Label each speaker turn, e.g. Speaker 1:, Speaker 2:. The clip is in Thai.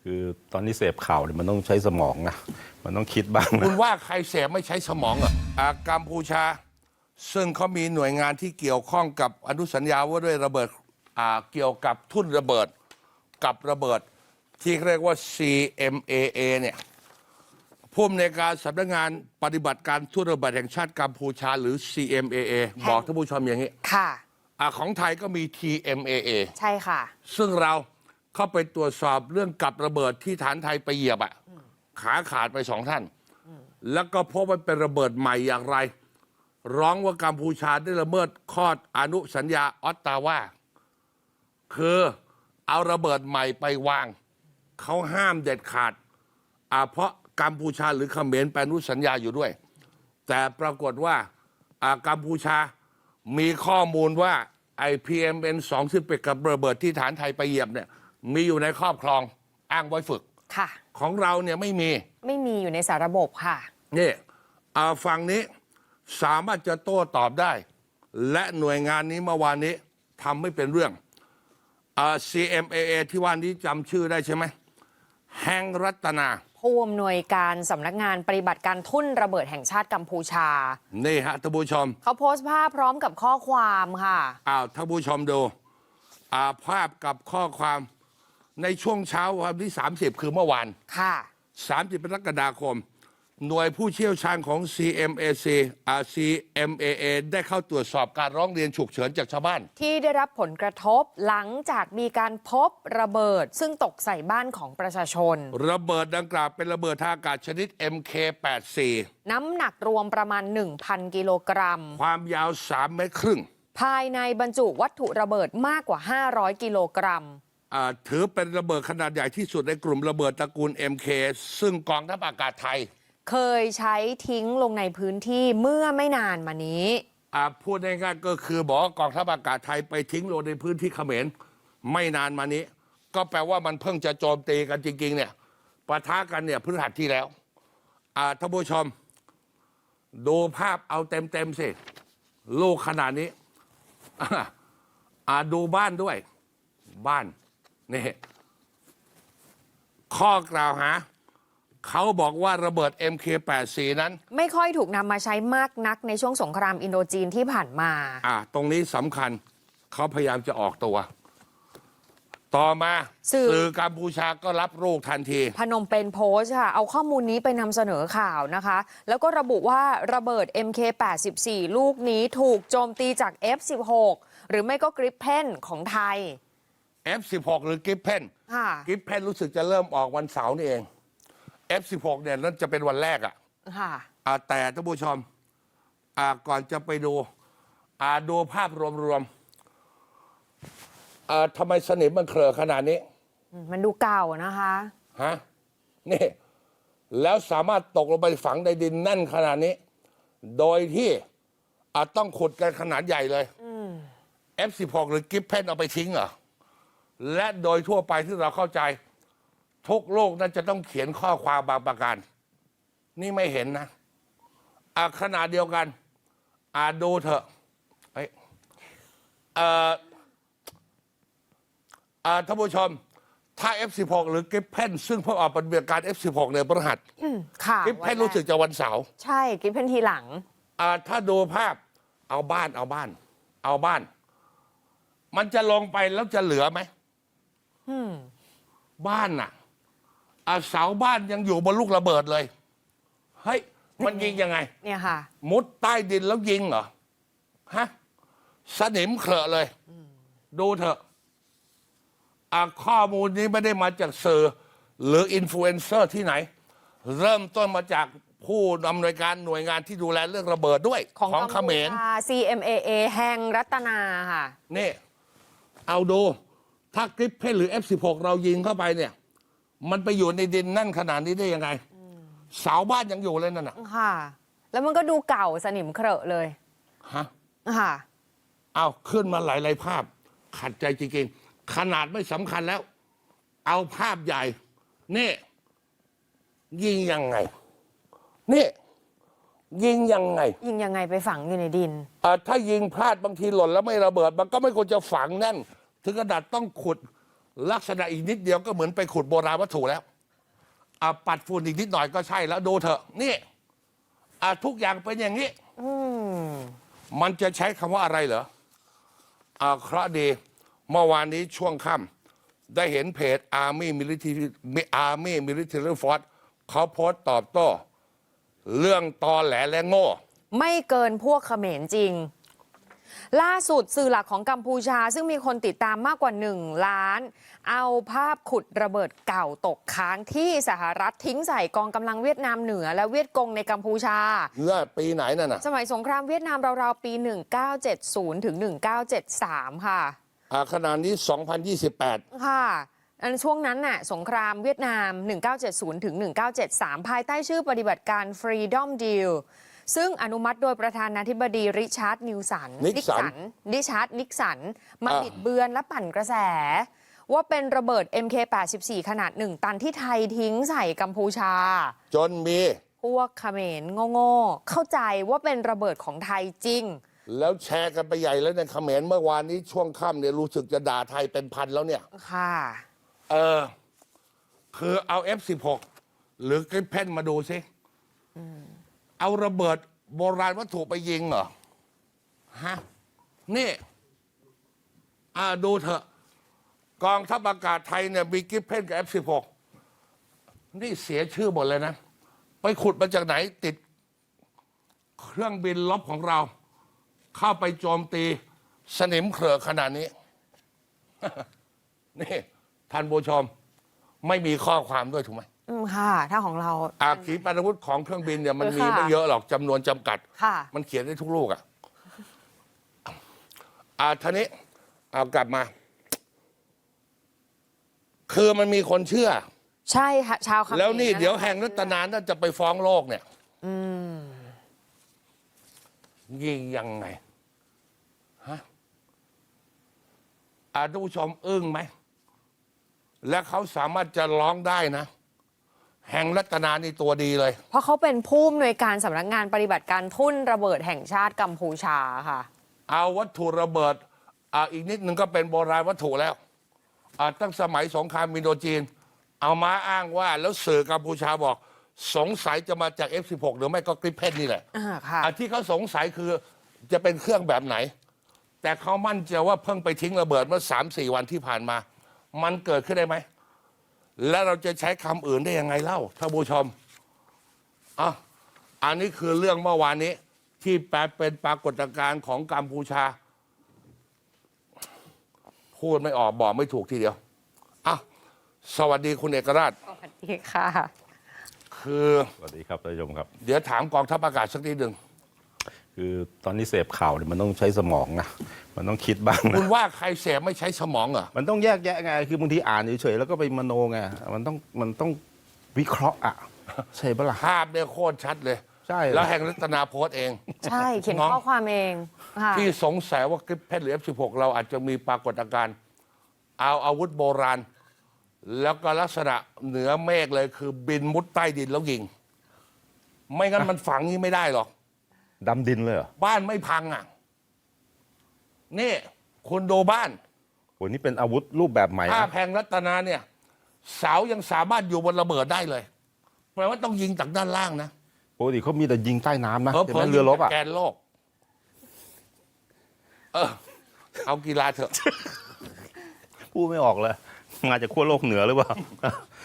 Speaker 1: คือตอนนี้เสพข่าวเนี่ยมันต้องใช้สมองนะมันต้องคิดบ้างนะ
Speaker 2: คุณว่าใครเสพไม่ใช้สมองเหรอกัมพูชาซึ่งเขามีหน่วยงานที่เกี่ยวข้องกับอนุสัญญาว่าด้วยระเบิดเกี่ยวกับทุ่นระเบิดกับระเบิดที่เรียกว่า CMAA เนี่ยผู้อำนวยการสำนักงานปฏิบัติการทุ่นระเบิดแห่งชาติกัมพูชาหรือ CMAA บอกท่านผู้ชมอย่างนี้
Speaker 3: ค่ะ
Speaker 2: ของไทยก็มี TMAA
Speaker 3: ใช่ค่ะ
Speaker 2: ซึ่งเราเข้าไปตรวจสอบเรื่องกับระเบิดที่ฐานไทยไปเหยียบขาขาดไป2 ท่าน แล้วก็พบว่าเป็นระเบิดใหม่อย่างไร ร้องว่ากัมพูชาได้ละเมิดข้ออนุสัญญาออตตาวาคือเอาระเบิดใหม่ไปวาง เขาห้ามเด็ดขาดเพราะกัมพูชาหรือเขมรไปอนุสัญญาอยู่ด้วย แต่ปรากฏว่ากัมพูชามีข้อมูลว่าไอ PMN2 ซึ่งเป็นกับระเบิดที่ฐานไทยไปเหยียบเนี่ยมีอยู่ในครอบครองอ้างไว้ฝึก
Speaker 3: ค่ะ
Speaker 2: ของเราเนี่ยไม่มี
Speaker 3: ไม่มีอยู่ในสาระบบค่ะ
Speaker 2: นี่ฝั่งนี้สามารถจะโต้ตอบได้ และหน่วยงานนี้เมื่อวานนี้ทำไม่เป็นเรื่องCMAA ที่ว่านี้จำชื่อได้ใช่ไหมแห่งรัตนา
Speaker 3: ผู้อำนวยการสำนักงานปฏิบัติการทุ่นระเบิดแห่งชาติกัมพูชา
Speaker 2: นี่ฮะท่านผู้ชม
Speaker 3: เขาโพสต์ภาพพร้อมกับข้อความค่ะ
Speaker 2: ท่านผู้ชมดูภาพกับข้อความในช่วงเช้าวันที่30คือเมื่อวาน
Speaker 3: ค่ะ
Speaker 2: 30กรกฎาคม หน่วยผู้เชี่ยวชาญของ CMAA ได้เข้าตรวจสอบการร้องเรียนฉุกเฉินจากชาวบ้าน
Speaker 3: ที่ได้รับผลกระทบหลังจากมีการพบระเบิดซึ่งตกใส่บ้านของประชาชน
Speaker 2: ระเบิดดังกล่าวเป็นระเบิดทางอากาศชนิด MK84
Speaker 3: น้ำหนักรวมประมาณ 1,000 กิโลกรัม
Speaker 2: ความยาว3 เมตรครึ่ง
Speaker 3: ภายในบรรจุวัตถุระเบิดมากกว่า 500 กิโลกรัม
Speaker 2: ถือเป็นระเบิดขนาดใหญ่ที่สุดในกลุ่มระเบิดตระกูล MK ซึ่งกองทัพอากาศไทย
Speaker 3: เคยใช้ทิ้งลงในพื้นที่เมื่อไม่นานมานี้
Speaker 2: พูดง่ายๆก็คือบอกว่ากองทัพอากาศไทยไปทิ้งลงในพื้นที่เขมรไม่นานมานี้ ก็แปลว่ามันเพิ่งจะโจมตีกันจริงๆเนี่ยปะทะกันเนี่ยพฤหัสที่แล้วท่านผู้ชม ดูภาพเอาเต็มๆสิลูกขนาดนี้ดูบ้านด้วยบ้านนี่ข้อกล่าวหาเขาบอกว่าระเบิด MK84 นั้น
Speaker 3: ไม่ค่อยถูกนำมาใช้มากนักในช่วงสงครามอินโดจีนที่ผ่านมา
Speaker 2: ตรงนี้สำคัญเขาพยายามจะออกตัว ต่อมาสื่อกัมพูชาก็รับลูกทันที
Speaker 3: พนมเปญโพสต์ค่ะเอาข้อมูลนี้ไปนำเสนอข่าวนะคะแล้วก็ระบุว่าระเบิด MK84 ลูกนี้ถูกโจมตีจาก F16 หรือไม่ก็กริปเพนของไทย
Speaker 2: F16 หรือกริปเพนกริปเพนรู้สึกจะเริ่มออกวันเสาร์นี่เอง F16 เนี่ยนั่นจะเป็นวันแรกแต่ท่านผู้ชมก่อนจะไปดูภาพรวมทำไมสนิมมันเคลอะขนาดนี้
Speaker 3: มันดูเก่านะคะ
Speaker 2: นี่แล้วสามารถตกลงไปฝังในดินแน่นขนาดนี้โดยที่ต้องขุดกันขนาดใหญ่เลยF16 หรือกริปเพนเอาไปทิ้งเหรอและโดยทั่วไปที่เราเข้าใจทุกโลกนั้นจะต้องเขียนข้อความบางประการนี่ไม่เห็นนะขนาดเดียวกันดูเถอะท่านผู้ชมถ้า F16 หรือกริปเพนซึ่งเพิ่งออกปฏิบัติการ F16 ในพฤหัสกริปเพนรู้สึกจะวันเสาร์
Speaker 3: ใช่กริปเพนทีหลัง
Speaker 2: ถ้าดูภาพเอาบ้านมันจะลงไปแล้วจะเหลือไหมบ้านน่ะเสาบ้านยังอยู่บนลูกระเบิดเลยเฮ้ยมันยิงยังไง
Speaker 3: เนี่ยค่ะ
Speaker 2: มุดใต้ดินแล้วยิงเหรอสนิมเคลอะเลยดูเถอะข้อมูลนี้ไม่ได้มาจากสื่อหรืออินฟลูเอนเซอร์ที่ไหนเริ่มต้นมาจากผู้อำนวยการหน่วยงานที่ดูแลเรื่องระเบิดด้วยของเขมร
Speaker 3: CMAA แห่งรัตนาค่ะ
Speaker 2: นี่เอาดูถ้ากริปเพนหรือ F16 เรายิงเข้าไปเนี่ยมันไปอยู่ในดินนั่นขนาดนี้ได้ยังไงเสาบ้านยังอยู่เลยนั่นน่ะ
Speaker 3: ค่ะแล้วมันก็ดูเก่าสนิมเครอะเลย
Speaker 2: ค่ะเอาขึ้นมาหลายภาพขัดใจจริงๆขนาดไม่สำคัญแล้วเอาภาพใหญ่นี่ยิงยังไงนี่ยิงยังไง
Speaker 3: ไปฝังอยู่ในดิน
Speaker 2: ถ้ายิงพลาดบางทีหล่นแล้วไม่ระเบิดมันก็ไม่ควรจะฝังแน่นถึงขนาดต้องขุดลักษณะอีกนิดเดียวก็เหมือนไปขุดโบราณวัตถุแล้วปัดฝุ่นอีกนิดหน่อยก็ใช่แล้วดูเถอะนี่ทุกอย่างเป็นอย่างนี้มันจะใช้คำว่าอะไรเหรอเคราะห์ดีเมื่อวานนี้ช่วงค่ำได้เห็นเพจ Army Military Force เขาโพสต์ตอบโต้ เรื่องตอแหลและโง่
Speaker 3: ไม่เกินพวกเขมรจริง ล่าสุดสื่อหลักของกัมพูชาซึ่งมีคนติดตามมากกว่า1 ล้าน เอาภาพขุดระเบิดเก่าตกค้างที่สหรัฐทิ้งใส่กองกำลังเวียดนามเหนือและเวียดกงในกัมพูชา
Speaker 2: เมื่อปีไหนนั่นน่ะ
Speaker 3: สมัยสงครามเวียดนามราวๆปี 1970 ถึง 1973 ค่ะ
Speaker 2: ขณะนี้ 2028
Speaker 3: ค่ะอันช่วงนั้นน่ะสงครามเวียดนาม 1970 ถึง 1973 ภายใต้ชื่อปฏิบัติการ Freedom Deal ซึ่งอนุมัติโดยประธานาธิบดีริชาร์ดนิกสันมาบิดเบือนและปั่นกระแส ว่าเป็นระเบิด MK84 ขนาด1 ตันที่ไทยทิ้งใส่กัมพูชา
Speaker 2: จนมี
Speaker 3: พวกเขมรโง่ๆเข้าใจว่าเป็นระเบิดของไทยจริง
Speaker 2: แล้วแชร์กันไปใหญ่แล้วในเขมรเมื่อวานนี้ช่วงค่ำเนี่ยรู้สึกจะด่าไทยเป็นพันแล้วเนี่ย
Speaker 3: ค่ะ
Speaker 2: คือเอา F16 หรือกริปเพนมาดูสิเอาระเบิดโบราณวัตถุไปยิงเหรอฮะนี่ดูเถอะกองทัพอากาศไทยเนี่ยมีกริปเพนกับ F16 นี่เสียชื่อหมดเลยนะ ไปขุดมาจากไหนติดเครื่องบินลบของเรา เข้าไปโจมตีสนิมเขรือขนาดนี้ นี่ท่านผู้ชมไม่มีข้อความด้วยถูกไหม
Speaker 3: ค่ะ ถ้าของเรา
Speaker 2: ขีปนาวุธของเครื่องบินเนี่ยมันมี
Speaker 3: ค่ะ
Speaker 2: ไม่เยอะหรอกจำนวนจำกัด
Speaker 3: ค่ะ
Speaker 2: มันเขียนได้ทุกลูกท่านี้เอากลับมา คือมันมีคนเชื่อ
Speaker 3: ใช่ค่ะชาวเขมร
Speaker 2: แล้วนี่เดี๋ยวแห่งรัตนาน่าจะไปฟ้องโลกเนี่ยยิงยังไงฮะท่านผู้ชมอึ้งไหม และเขาสามารถจะร้องได้นะ แห่งรัตนานี่ตัวดีเลย
Speaker 3: เพราะเขาเป็นผู้อำนวยการสำนักงานปฏิบัติการทุ่นระเบิดแห่งชาติกัมพูชาค่ะ
Speaker 2: เอาวัตถุระเบิดอีกนิดนึงก็เป็นโบราณวัตถุแล้วตั้งสมัยสงครามอินโดจีน เอามาอ้างว่าแล้วสื่อกัมพูชาบอก สงสัยจะมาจาก F16 หรือไม่ก็กริปเพนนี่แหละ
Speaker 3: ค่ะ
Speaker 2: ที่เขาสงสัยคือจะเป็นเครื่องแบบไหน แต่เขามั่นใจว่าเพิ่งไปทิ้งระเบิดเมื่อ 3-4 วันที่ผ่านมา มันเกิดขึ้นได้ไหม แล้วเราจะใช้คำอื่นได้ยังไงเล่าท่านผู้ชมอันนี้คือเรื่องเมื่อวานนี้ ที่แปลเป็นปรากฏการณ์ของกัมพูชา พูดไม่ออกบอกไม่ถูกทีเดียวสวัสดีคุณเอกราช
Speaker 3: สวัสดีค่ะ
Speaker 2: คือ
Speaker 1: สวัสดีครับท่านผู้ชมครับ
Speaker 2: เดี๋ยวถามกองทัพอากาศสักนิดหนึ่ง
Speaker 1: คือตอนนี้เสพข่าวเนี่ยมันต้องใช้สมองนะมันต้องคิดบ้าง
Speaker 2: คุ
Speaker 1: นะ
Speaker 2: ณว่าใครเสพไม่ใช้สมองเหรอ
Speaker 1: มันต้องแยกแยะไงคือบางทีอ่านเฉยๆแล้วก็ไปมโนไงมันต้องวิเคราะห์ใช่ปะล่ะ
Speaker 2: ภาพเนี่ยโคตรชัดเลย
Speaker 1: ใช่
Speaker 2: แล้วแห่งรัตนาโพสต์เอง
Speaker 3: ใช่เขียน
Speaker 2: น้อง
Speaker 3: ข้อความเองค่ะ
Speaker 2: ที่สงสัยว่ากริปเพนหรือ F16 เราอาจจะมีปรากฏการณ์เอาอาวุธโบราณ แล้วก็ลักษณะเหนือเมฆเลยคือบินมุดใต้ดินแล้วยิง ไม่งั้นมันฝังนี้ไม่ได้หรอก
Speaker 1: ดำดินเลยเหรอ
Speaker 2: บ้านไม่พังนี่คุณดูบ้าน
Speaker 1: โหนี่เป็นอาวุธรูปแบบใหม่
Speaker 2: ถ้า
Speaker 1: นะ
Speaker 2: แพงรัตนาเนี่ย เสายังสามารถอยู่บนระเบิดได้เลยแปลว่าต้องยิงจากด้านล่างนะ
Speaker 1: ปกติเขามีแต่ยิงใต้น้ำนะ
Speaker 2: เพราะ
Speaker 1: ใช่ไหมเรือรบ
Speaker 2: แกนโลก เอากีฬาเถอะ
Speaker 1: พูดไม่ออกเลยมาจากขั้วโลกเหนือหรือเปล่า